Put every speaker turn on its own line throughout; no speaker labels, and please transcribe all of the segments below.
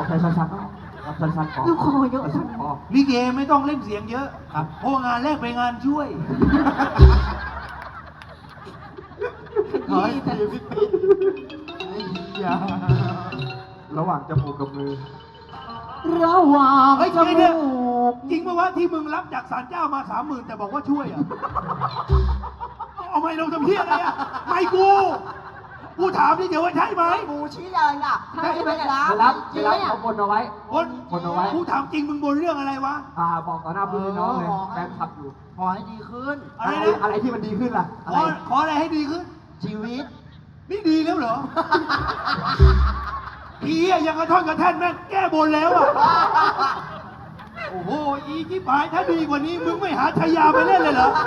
ใช้สั้นๆครับสั้นๆพอ
ลูกคอเยอะ
สั้นๆพอ
ลิเกไม่ต้องเล่นเสียงเยอะ
ครับ
เพราะงานแรกเป็นงานช่วย
ขอให้ดีพี่ปิ๊ดอย่าระหว่างจมูกกับมือ
ระหว่าง
เฮ้ย
จ
เดี๋ยว
มูก
จริงป่าวะที่มึงรับจากศาลเจ้ามา30,000แต่บอกว่าช่วยอ่ะ เอาไม่ลงทำเพี้ยอะไรอ่ะไม่กูถามนี่เดี๋ยวว่าใช่ไหม
หมูชี้เลยอ่ะถ้าจะไปรับ
ไม่รับเขาบนเอาไว้
บน
เอาไว้
กูถามจริงมึงบนเรื่องอะไรวะ
บอกต่อหน้าเพื่อนน้องเลยแฟนคลับอยู่
ขอให้ดีขึ้น
อะไรนะ
อะไรที่มันดีขึ้นล่ะ
ขออะไรให้ดีขึ้น
ชีวิต
นี่ดีแล้วเหรอ ผีอะยังกระท่อนกระแท่นแม่งแก้บนแล้วอ่ะ โอ้โห อีที่ผายถ้าดีกว่านี้มึงไม่หาชายาไปเล่นเลยเหรอ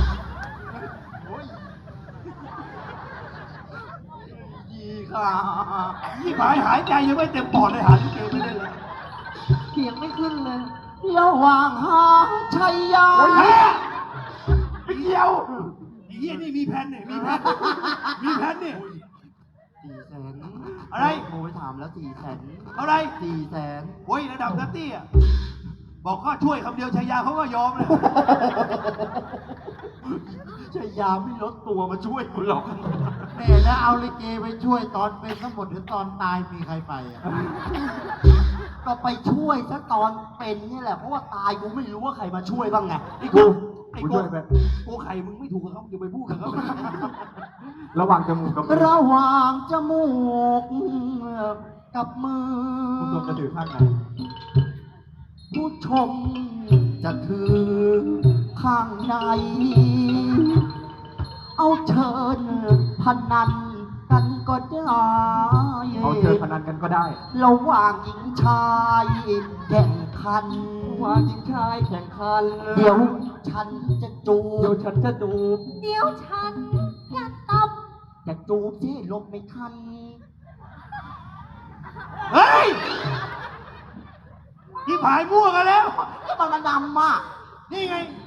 ดีค่ะ
ที่ผายหายใจยังไม่เต็มปอดเลยหาลิเกไปเล่นเลย
เขียงไม่ขึ้นเลยระหว่างหาชัยยา
โอ้ยแพ้เดียวไอ้เหี้ยนี่มีแผ่นเนี่ยมีแผ่นเนี่ย
400,000
อะไร
โทรไปถามแล้ว400,000
เท่าไหร
400,000
โอ้ยระดับนัตตี้อ่ะ บอกก็ช่วยคำเดียวชายาเขาก็ยอมเลย
ชัยยาไม่ลดตัวมาช่วยคุณหรอก
แม่แล้วเอาลิเกไปช่วยตอนเป็นทั้งหมดหรือตอนตายมีใครไปอ่ะ
ก็ไปช่วยซะตอนเป็นนี่แหละ เพราะว่าตายกูไม่รู้ว่าใครมาช่วยบ้างไง
ไอ้กูไอ้
กู
กู
ช่วยไป
กูไข่มึงไม่ถูกกับเขาอย่าไปพูดกับเขา
ระหว่างจมูกกับมือ
ระหว่างจมูกกับมือ
คุณตัวกระดือข้างไหน
ผู้ชมจะถือข้างใน เอาเชิญพนันกันก็ได้
เอาเชิญพนันกันก็ได้
ระหว่างหญิงชายแข่งขัน
ว่าหญิงชายแข่งขัน
เดี๋ยวฉันจะจู
เดี๋ยว
บ
ฉันจะดูบ
เดี๋ยวฉันจะตบจะจูบที่ลบไม่ทัน
เฮ้ยที่ผายมั่วกันแล้ว
ก็มันดำอ่ะ
นี่ไง